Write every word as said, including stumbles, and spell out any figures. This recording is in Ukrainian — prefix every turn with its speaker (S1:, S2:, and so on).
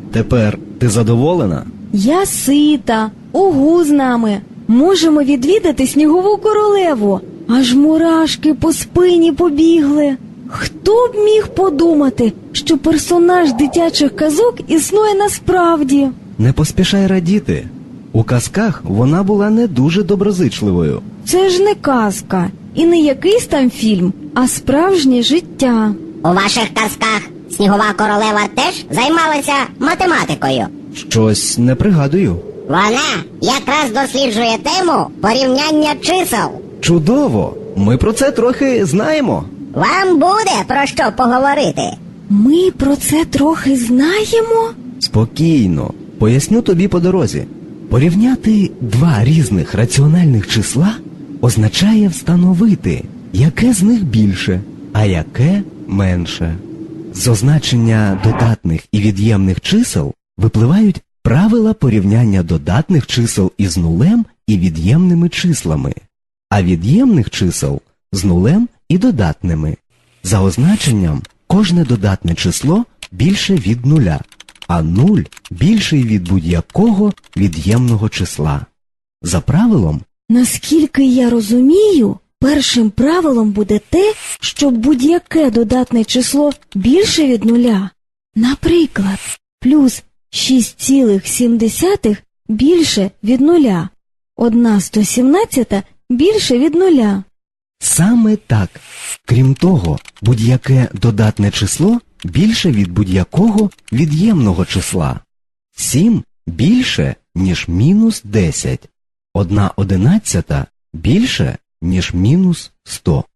S1: Тепер ти задоволена?
S2: Я сита, угу з нами. Можемо відвідати снігову королеву. Аж мурашки по спині побігли. Хто б міг подумати, що персонаж дитячих казок існує насправді?
S1: Не поспішай радіти. У казках вона була не дуже доброзичливою.
S2: Це ж не казка і не якийсь там фільм, а справжнє життя.
S3: У ваших казках снігова королева теж займалася математикою?
S1: Щось не пригадую.
S3: Вона якраз досліджує тему порівняння чисел.
S1: Чудово! Ми про це трохи знаємо.
S3: Вам буде про що поговорити.
S2: Ми про це трохи знаємо?
S1: Спокійно. Поясню тобі по дорозі. Порівняти два різних раціональних числа означає встановити, яке з них більше, а яке менше. З означення додатних і від'ємних чисел випливають правила порівняння додатних чисел із нулем і від'ємними числами, а від'ємних чисел з нулем і додатними. За означенням, кожне додатне число більше від нуля, а нуль більший від будь-якого від'ємного числа. За правилом,
S2: Наскільки я розумію, першим правилом буде те, що будь-яке додатне число більше від нуля. Наприклад, плюс шість цілих сім десятих більше від нуля, одна сто сімнадцята більше від нуля.
S1: саме так. Крім того, будь-яке додатне число більше від будь-якого від'ємного числа. сім більше, ніж мінус десять. Одна одинадцята більше, ніж мінус сто.